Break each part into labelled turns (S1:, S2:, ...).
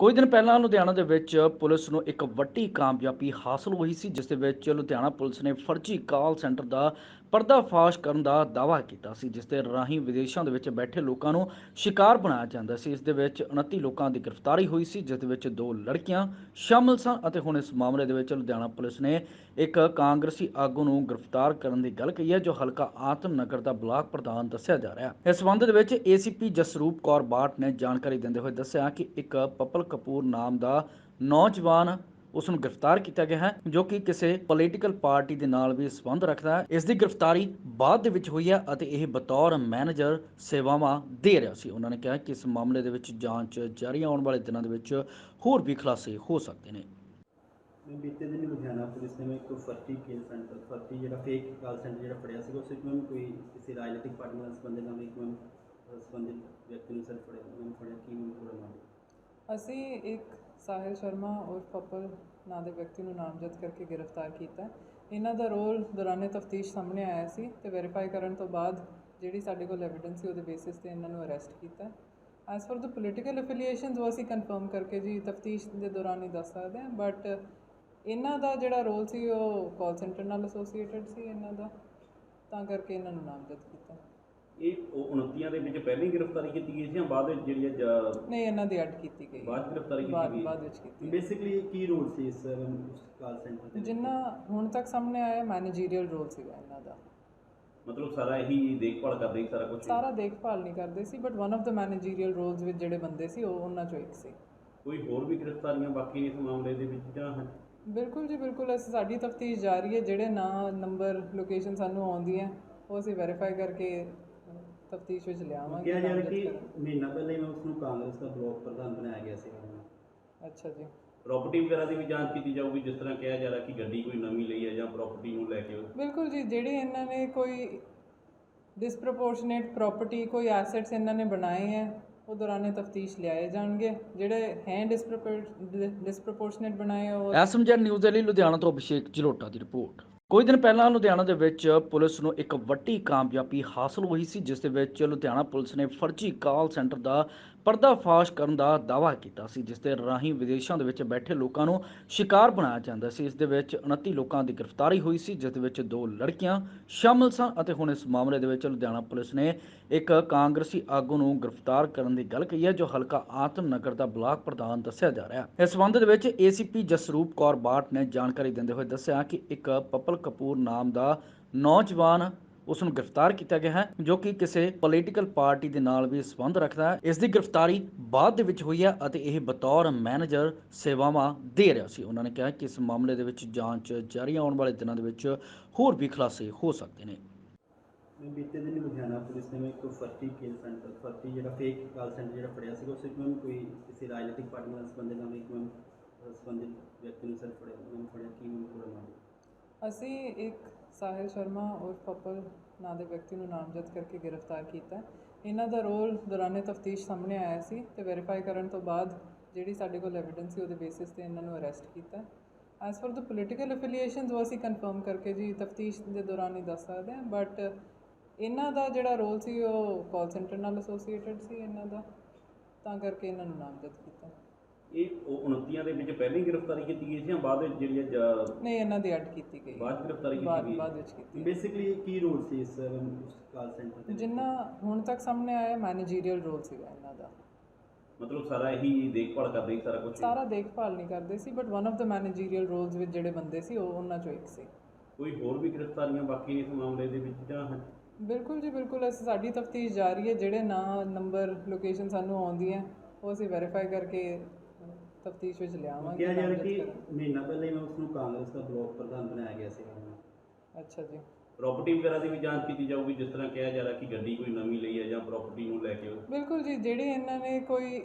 S1: ਕੁਝ ਦਿਨ ਪਹਿਲਾਂ ਲੁਧਿਆਣਾ ਦੇ ਵਿੱਚ ਪੁਲਿਸ ਨੂੰ ਇੱਕ ਵੱਡੀ ਕਾਮਯਾਬੀ ਹਾਸਲ ਹੋਈ ਸੀ, ਜਿਸ ਦੇ ਵਿੱਚ ਲੁਧਿਆਣਾ ਪੁਲਿਸ ਨੇ ਫਰਜ਼ੀ ਕਾਲ ਸੈਂਟਰ ਦਾ ਪਰਦਾਫਾਸ਼ ਕਰਨ ਦਾ ਦਾਅਵਾ ਕੀਤਾ ਸੀ, ਜਿਸ ਦੇ ਰਾਹੀਂ ਵਿਦੇਸ਼ਾਂ ਦੇ ਵਿੱਚ ਬੈਠੇ ਲੋਕਾਂ ਨੂੰ ਸ਼ਿਕਾਰ ਬਣਾਇਆ ਜਾਂਦਾ ਸੀ। ਇਸ ਦੇ ਵਿੱਚ 29 ਲੋਕਾਂ ਦੀ ਗ੍ਰਿਫਤਾਰੀ ਹੋਈ ਸੀ, ਜਿਸ ਦੇ ਵਿੱਚ 2 ਲੜਕੀਆਂ ਸ਼ਾਮਲ ਸਨ ਅਤੇ ਹੁਣ ਇਸ ਮਾਮਲੇ ਦੇ ਵਿੱਚ ਲੁਧਿਆਣਾ ਪੁਲਿਸ ਨੇ ਇੱਕ ਕਾਂਗਰਸੀ ਆਗੂ ਨੂੰ ਗ੍ਰਿਫਤਾਰ ਕਰਨ ਦੀ ਗੱਲ ਕਹੀ ਹੈ, ਜੋ ਹਲਕਾ ਆਤਮ ਨਗਰ ਦਾ ਬਲਾਕ ਪ੍ਰਧਾਨ ਦੱਸਿਆ ਜਾ ਰਿਹਾ ਹੈ। ਇਸ ਸੰਬੰਧ ਦੇ ਵਿੱਚ ਏਸੀਪੀ ਜਸਰੂਪ ਕੌਰ ਬਾਟ ਨੇ ਜਾਣਕਾਰੀ ਦਿੰਦੇ ਹੋਏ ਦੱਸਿਆ ਕਿ ਇੱਕ ਪਪਲ ਕਪੂਰ ਨਾਮ ਦਾ ਨੌਜਵਾਨ ਉਸ ਨੂੰ ਗ੍ਰਿਫਤਾਰ ਕੀਤਾ ਗਿਆ ਹੈ, ਜੋ ਕਿ ਕਿਸੇ ਪੋਲੀਟੀਕਲ ਪਾਰਟੀ ਦੇ ਨਾਲ ਵੀ ਸੰਬੰਧ ਰੱਖਦਾ ਹੈ। ਇਸ ਦੀ ਗ੍ਰਿਫਤਾਰੀ ਬਾਅਦ ਦੇ ਵਿੱਚ ਹੋਈ ਹੈ ਅਤੇ ਇਹ ਬਤੌਰ ਮੈਨੇਜਰ ਸੇਵਾਵਾਂ ਦੇ ਰਿਹਾ ਸੀ। ਉਹਨਾਂ ਨੇ ਕਿਹਾ ਕਿ ਇਸ ਮਾਮਲੇ ਦੇ ਵਿੱਚ ਜਾਂਚ ਜਾਰੀ ਆਉਣ ਵਾਲੇ ਦਿਨਾਂ ਦੇ ਵਿੱਚ ਹੋਰ ਵੀ ਖੁਲਾਸੇ ਹੋ ਸਕਦੇ ਨੇ।
S2: मैं बीते दिन लुधियाना पुलिस ने एक फर्जी केल सेंटर फर्जी जो फेक काल सेंटर जो फड़िया उस मैम कोई किसी राजनीतिक पार्टी ਨਾਲ ਸੰਬੰਧਿਤ ਨਾਲ ਇੱਕ ਮੈਮ ਸੰਬੰਧਿਤ ਵਿਅਕਤੀ ਨੂੰ ਸਰ ਫੜਿਆ ਕੀ ਮੈਮ ਪੂਰਾ ਮਾਮਲਾ।
S3: ਅਸੀਂ ਇੱਕ ਸਾਹਿਲ ਸ਼ਰਮਾ ਔਰ ਪਪਲ ਨਾਂ ਦੇ ਵਿਅਕਤੀ ਨੂੰ ਨਾਮਜ਼ਦ ਕਰਕੇ ਗ੍ਰਿਫਤਾਰ ਕੀਤਾ। ਇਹਨਾਂ ਦਾ ਰੋਲ ਦੌਰਾਨੇ ਤਫਤੀਸ਼ ਸਾਹਮਣੇ ਆਇਆ ਸੀ ਤੇ ਵੈਰੀਫਾਈ ਕਰਨ ਤੋਂ ਬਾਅਦ ਜਿਹੜੀ ਸਾਡੇ ਕੋਲ ਐਵੀਡੈਂਸ ਸੀ ਉਹਦੇ ਬੇਸਿਸ ਤੇ ਇਹਨਾਂ ਨੂੰ ਅਰੈਸਟ ਕੀਤਾ। As for the political affiliations ਉਹ ਅਸੀਂ ਕਨਫਰਮ ਕਰਕੇ ਜੀ ਤਫਤੀਸ਼ ਦੇ ਦੌਰਾਨ ਹੀ ਦੱਸ ਸਕਦੇ ਹਾਂ, ਬਟ ਇਹਨਾਂ ਦਾ ਜਿਹੜਾ ਰੋਲ ਸੀ ਉਹ ਕਾਲ ਸੈਂਟਰ ਨਾਲ ਐਸੋਸੀਏਟਡ ਸੀ ਇਹਨਾਂ ਦਾ, ਤਾਂ ਕਰਕੇ ਇਹਨਾਂ ਨੂੰ ਨਾਮਜ਼ਦ ਕੀਤਾ।
S2: ਇਹ 29 ਦੇ ਵਿੱਚ ਪਹਿਲਾਂ ਹੀ ਗ੍ਰਿਫਤਾਰੀ ਕੀਤੀ ਗਈ ਸੀ ਜਾਂ ਬਾਅਦ ਵਿੱਚ ਜਿਹੜੀ
S3: ਨਹੀਂ, ਇਹਨਾਂ ਦੀ ਐਡ ਕੀਤੀ ਗਈ,
S2: ਬਾਅਦ ਗ੍ਰਿਫਤਾਰੀ ਕੀਤੀ ਗਈ
S3: ਬਾਅਦ ਵਿੱਚ ਕੀਤੀ।
S2: ਬੇਸਿਕਲੀ ਕੀ ਰੋਲ ਸੀ ਇਸ ਕਾਲ ਸੈਂਟਰ ਦੇ?
S3: ਜਿੰਨਾ ਹੁਣ ਤੱਕ ਸਾਹਮਣੇ ਆਇਆ ਮੈਨੇਜਰੀਅਲ ਰੋਲ ਸੀਗਾ ਇਹਨਾਂ ਦਾ।
S2: ਮਤਲਬ ਸਾਰਾ ਇਹੀ ਦੇਖਭਾਲ ਕਰਦੇ ਸੀ, ਸਾਰਾ ਕੁਝ
S3: ਸਾਰਾ ਦੇਖਭਾਲ ਨਹੀਂ ਕਰਦੇ ਸੀ, but one of the managerial roles ਵਿੱਚ ਜਿਹੜੇ ਬੰਦੇ ਸੀ ਉਹ ਉਹਨਾਂ ਚੋਂ ਇੱਕ ਸੀ।
S2: ਕੋਈ ਹੋਰ ਵੀ ਗ੍ਰਿਫਤਾਰੀਆਂ ਬਾਕੀ ਇਸ ਮਾਮਲੇ ਦੇ ਵਿੱਚ ਜਾਂ?
S3: ਬਿਲਕੁਲ ਜੀ ਬਿਲਕੁਲ, ਅਸੀਂ ਸਾਡੀ ਤਫਤੀਸ਼ ਜਾਰੀ ਹੈ। ਜਿਹੜੇ ਨਾਂ ਨੰਬਰ ਲੋਕੇਸ਼ਨ ਸਾਨੂੰ ਆਉਂਦੀਆਂ ਉਹ ਅਸੀਂ ਵੈਰੀਫਾਈ ਕਰਕੇ ਤਫਤੀਸ਼ ਵਿੱਚ ਲਿਆਵਾਂਗੇ।
S2: ਕਿਹਾ ਜਾ ਰਿਹਾ ਕਿ ਮਹੀਨਾ ਪਹਿਲਾਂ ਹੀ ਉਸ ਨੂੰ ਕਾਂਗਰਸ ਦਾ ਬਲਾਕ ਪ੍ਰਧਾਨ ਬਣਾਇਆ ਗਿਆ ਸੀ।
S3: ਅੱਛਾ ਜੀ।
S2: ਪ੍ਰਾਪਰਟੀ ਵਗੈਰਾ ਦੀ ਵੀ ਜਾਂਚ ਕੀਤੀ ਜਾਊਗੀ, ਜਿਸ ਤਰ੍ਹਾਂ ਕਿਹਾ ਜਾ ਰਿਹਾ ਕਿ ਗੱਡੀ ਕੋਈ ਨਵੀਂ ਲਈ ਹੈ ਜਾਂ ਪ੍ਰਾਪਰਟੀ ਨੂੰ ਲੈ ਕੇ?
S3: ਬਿਲਕੁਲ ਜੀ, ਜਿਹੜੇ ਇਹਨਾਂ ਨੇ ਕੋਈ ਡਿਸਪ੍ਰੋਪੋਰਸ਼ਨੇਟ ਪ੍ਰਾਪਰਟੀ ਕੋਈ ਐਸੈਟਸ ਇਹਨਾਂ ਨੇ ਬਣਾਏ ਹੈ ਉਹ ਦੌਰਾਨੇ ਤਫਤੀਸ਼ ਲਿਆਏ ਜਾਣਗੇ। ਜਿਹੜੇ ਹੈ ਡਿਸਪ੍ਰੋਪੋਰਸ਼ਨੇਟ ਬਣਾਏ ਉਹ
S1: ਐਸਐਮਜੀ ਨਿਊਜ਼ ਦੇ ਲਈ ਲੁਧਿਆਣਾ ਤੋਂ ਅਭਿਸ਼ੇਕ ਜਲੋਟਾ ਦੀ ਰਿਪੋਰਟ। ਕੁਝ ਦਿਨ ਪਹਿਲਾਂ ਲੁਧਿਆਣਾ ਦੇ ਵਿੱਚ ਪੁਲਿਸ ਨੂੰ ਇੱਕ ਵੱਡੀ ਕਾਮਯਾਬੀ ਹਾਸਲ ਹੋਈ ਸੀ, ਜਿਸ ਦੇ ਵਿੱਚ ਲੁਧਿਆਣਾ ਪੁਲਿਸ ਨੇ ਫਰਜ਼ੀ ਕਾਲ ਸੈਂਟਰ ਦਾ ਪਰਦਾਫਾਸ਼ ਕਰਨ ਦਾ ਦਾਅਵਾ ਕੀਤਾ ਸੀ, ਜਿਸ ਦੇ ਰਾਹੀਂ ਵਿਦੇਸ਼ਾਂ ਦੇ ਵਿੱਚ ਬੈਠੇ ਲੋਕਾਂ ਨੂੰ ਸ਼ਿਕਾਰ ਬਣਾਇਆ ਜਾਂਦਾ ਸੀ। ਇਸ ਦੇ ਵਿੱਚ 29 ਲੋਕਾਂ ਦੀ ਗ੍ਰਿਫਤਾਰੀ ਹੋਈ ਸੀ, ਜਿਸ ਦੇ ਵਿੱਚ 2 ਲੜਕੀਆਂ ਸ਼ਾਮਲ ਸਨ ਅਤੇ ਹੁਣ ਇਸ ਮਾਮਲੇ ਦੇ ਵਿੱਚ ਲੁਧਿਆਣਾ ਪੁਲਿਸ ਨੇ ਇੱਕ ਕਾਂਗਰਸੀ ਆਗੂ ਨੂੰ ਗ੍ਰਿਫਤਾਰ ਕਰਨ ਦੀ ਗੱਲ ਕਹੀ ਹੈ, ਜੋ ਹਲਕਾ ਆਤਮ ਨਗਰ ਦਾ ਬਲਾਕ ਪ੍ਰਧਾਨ ਦੱਸਿਆ ਜਾ ਰਿਹਾ ਹੈ। ਇਸ ਸੰਬੰਧ ਦੇ ਵਿੱਚ ਏਸੀਪੀ ਜਸਰੂਪ ਕੌਰ ਬਾਟ ਨੇ ਜਾਣਕਾਰੀ ਦਿੰਦੇ ਹੋਏ ਦੱਸਿਆ ਕਿ ਇੱਕ ਪਪਲ ਕਪੂਰ ਨਾਮ ਦਾ ਨੌਜਵਾਨ ਉਸ ਨੂੰ ਗ੍ਰਿਫਤਾਰ ਕੀਤਾ ਗਿਆ ਹੈ, ਜੋ ਕਿ ਕਿਸੇ ਪੋਲੀਟੀਕਲ ਪਾਰਟੀ ਦੇ ਨਾਲ ਵੀ ਸੰਬੰਧ ਰੱਖਦਾ ਹੈ। ਇਸ ਦੀ ਗ੍ਰਿਫਤਾਰੀ ਬਾਅਦ ਦੇ ਵਿੱਚ ਹੋਈ ਹੈ ਅਤੇ ਇਹ ਬਤੌਰ ਮੈਨੇਜਰ ਸੇਵਾਵਾਂ ਦੇ ਰਿਹਾ ਸੀ। ਉਹਨਾਂ ਨੇ ਕਿਹਾ ਕਿ ਇਸ ਮਾਮਲੇ ਦੇ ਵਿੱਚ ਜਾਂਚ ਜਾਰੀ ਆਉਣ ਵਾਲੇ ਦਿਨਾਂ ਦੇ ਵਿੱਚ ਹੋਰ ਵੀ ਖੁਲਾਸੇ ਹੋ ਸਕਦੇ ਨੇ।
S2: बीते दिन लुधियाना पुलिस ने एक फर्जी केल सेंटर फर्जी जो फेक काल सेंटर जो फड़िया उस मैम कोई किसी राजनीतिक पार्टी ਨਾਲ ਸੰਬੰਧਿਤ ਨਾਲ ਇੱਕ ਮੈਮ ਸੰਬੰਧਿਤ ਵਿਅਕਤੀ ਨੂੰ ਸਰ ਫੜਿਆ ਕੀ ਮੈਮ ਪੂਰਾ ਮਾਮਲਾ।
S3: ਅਸੀਂ ਇੱਕ ਸਾਹਿਲ ਸ਼ਰਮਾ ਔਰ ਪਪਲ ਨਾਂ ਦੇ ਵਿਅਕਤੀ ਨੂੰ ਨਾਮਜ਼ਦ ਕਰਕੇ ਗ੍ਰਿਫਤਾਰ ਕੀਤਾ। ਇਹਨਾਂ ਦਾ ਰੋਲ ਦੌਰਾਨੇ ਤਫਤੀਸ਼ ਸਾਹਮਣੇ ਆਇਆ ਸੀ ਤੇ ਵੈਰੀਫਾਈ ਕਰਨ ਤੋਂ ਬਾਅਦ ਜਿਹੜੀ ਸਾਡੇ ਕੋਲ ਐਵੀਡੈਂਸ ਸੀ ਉਹਦੇ ਬੇਸਿਸ ਤੇ ਇਹਨਾਂ ਨੂੰ ਅਰੈਸਟ ਕੀਤਾ। As for the political affiliations ਉਹ ਅਸੀਂ ਕਨਫਰਮ ਕਰਕੇ ਜੀ ਤਫਤੀਸ਼ ਦੇ ਦੌਰਾਨ ਹੀ ਦੱਸ ਸਕਦੇ ਹਾਂ, ਬਟ ਇਹਨਾਂ ਦਾ ਜਿਹੜਾ ਰੋਲ ਸੀ ਉਹ ਕਾਲ ਸੈਂਟਰ ਨਾਲ ਐਸੋਸੀਏਟਡ ਸੀ ਇਹਨਾਂ ਦਾ, ਤਾਂ ਕਰਕੇ ਇਹਨਾਂ ਨੂੰ ਨਾਮਜ਼ਦ ਕੀਤਾ।
S2: ਇਹ 29 ਦੇ ਵਿੱਚ ਪਹਿਲਾਂ ਹੀ ਗ੍ਰਿਫਤਾਰੀ ਕੀਤੀ ਗਈ ਸੀ ਜਾਂ ਬਾਅਦ ਵਿੱਚ ਜਿਹੜੀ
S3: ਨਹੀਂ, ਇਹਨਾਂ ਦੀ ਐਡ ਕੀਤੀ ਗਈ,
S2: ਬਾਅਦ ਗ੍ਰਿਫਤਾਰੀ ਕੀਤੀ ਗਈ,
S3: ਬਾਅਦ ਵਿੱਚ ਕੀਤੀ।
S2: ਬੇਸਿਕਲੀ ਕੀ ਰੋਲ ਸੀ ਇਸ ਕਾਲ ਸੈਂਟਰ ਦੇ?
S3: ਜਿੰਨਾ ਹੁਣ ਤੱਕ ਸਾਹਮਣੇ ਆਇਆ ਮੈਨੇਜਰੀਅਲ ਰੋਲ ਸੀਗਾ ਇਹਨਾਂ ਦਾ।
S2: ਮਤਲਬ ਸਾਰਾ ਇਹੀ ਦੇਖਭਾਲ ਕਰਦੇ ਸੀ, ਸਾਰਾ ਕੁਝ? ਸਾਰਾ
S3: ਦੇਖਭਾਲ ਨਹੀਂ ਕਰਦੇ ਸੀ, but one of the managerial roles ਵਿੱਚ ਜਿਹੜੇ ਬੰਦੇ ਸੀ ਉਹ ਉਹਨਾਂ ਚੋਂ ਇੱਕ ਸੀ।
S2: ਕੋਈ ਹੋਰ ਵੀ ਗ੍ਰਿਫਤਾਰੀਆਂ ਬਾਕੀ ਇਸ ਮਾਮਲੇ ਦੇ ਵਿੱਚ ਜਾਂ?
S3: ਬਿਲਕੁਲ ਜੀ ਬਿਲਕੁਲ, ਅਸੀਂ ਸਾਡੀ ਤਫਤੀਸ਼ ਜਾਰੀ ਹੈ। ਜਿਹੜੇ ਨਾਂ ਨੰਬਰ ਲੋਕੇਸ਼ਨ ਸਾਨੂੰ ਆਉਂਦੀਆਂ ਉਹ ਅਸੀਂ ਵੈਰੀਫਾਈ ਕਰਕੇ ਤਫਤੀਸ਼ ਵਿੱਚ ਲਿਆਵਾਂਗੇ।
S2: ਕਿਹਾ ਜਾ ਰਿਹਾ ਕਿ ਮਹੀਨਾ ਪਹਿਲਾਂ ਹੀ ਉਸ ਨੂੰ ਕਾਂਗਰਸ ਦਾ ਬਲਾਕ ਪ੍ਰਧਾਨ ਬਣਾਇਆ ਗਿਆ ਸੀ।
S3: ਅੱਛਾ ਜੀ।
S2: ਪ੍ਰਾਪਰਟੀ ਵਗੈਰਾ ਦੀ ਵੀ ਜਾਂਚ ਕੀਤੀ ਜਾਊਗੀ, ਜਿਸ ਤਰ੍ਹਾਂ ਕਿਹਾ ਜਾ ਰਿਹਾ ਕਿ ਗੱਡੀ ਕੋਈ ਨਵੀਂ ਲਈ ਹੈ ਜਾਂ ਪ੍ਰਾਪਰਟੀ ਨੂੰ ਲੈ ਕੇ?
S3: ਬਿਲਕੁਲ ਜੀ, ਜਿਹੜੀ ਇਹਨਾਂ ਨੇ ਕੋਈ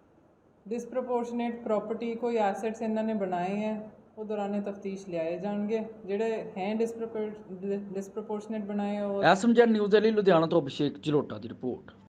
S3: ਡਿਸਪ੍ਰੋਪੋਰਸ਼ਨੇਟ ਪ੍ਰਾਪਰਟੀ ਕੋਈ ਐਸੈਟਸ ਇਹਨਾਂ ਨੇ ਬਣਾਏ ਹੈ ਉਹ ਦੌਰਾਨੇ ਤਫਤੀਸ਼ ਲਿਆਏ ਜਾਣਗੇ। ਜਿਹੜੇ ਹੈ ਡਿਸਪ੍ਰੋਪੋਰਸ਼ਨੇਟ ਬਣਾਏ ਉਹ।
S1: ਐਸਐਮਜੀ ਨਿਊਜ਼ ਦੇ ਲਈ ਲੁਧਿਆਣਾ ਤੋਂ ਅਭਿਸ਼ੇਕ ਜਲੋਟਾ ਦੀ ਰਿਪੋਰਟ।